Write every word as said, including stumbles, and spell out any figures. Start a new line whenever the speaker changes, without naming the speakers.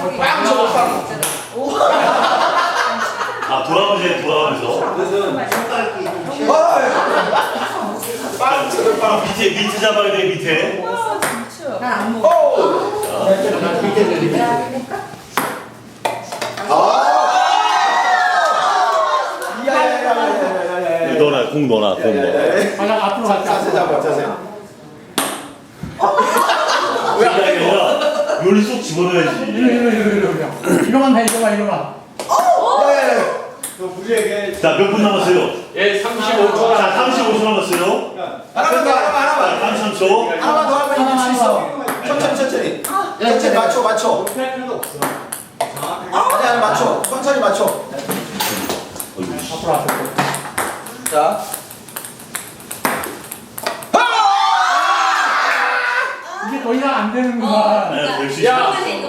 빵 저거 빵.
아 돌아가면서 해, 돌아가면서.
빵 저거 빵.
밑에 밑에 잡아야 돼 밑에.
난안 먹어.
오. 아. 야야야야야야야.
넣어놔 공 넣어놔 공 넣어.
하나 앞으로
자,
갔다.
자세 잡아 자세.
그게 아니라 요리 쏙 집어넣어야지.
이리 이리 이리 이리 이거만 해 이거만 이거만.
야야야. 너 무리하게.
자 몇 분 남았어요?
예, 삼십오 초.
자 삼십오 초 남았어요.
하나만 더 하나만 하나만.
삼십삼 초.
하나만 더 하면 이길 수 있어. 천천히 천천히. 천천히 맞춰 맞춰.
할 필요도 없어.
아니 아니 맞춰. 천천히 맞춰.
앞으로 앞으로.
자.
이게 더 이상 안 되는구만.
네, 될수
야,
있어.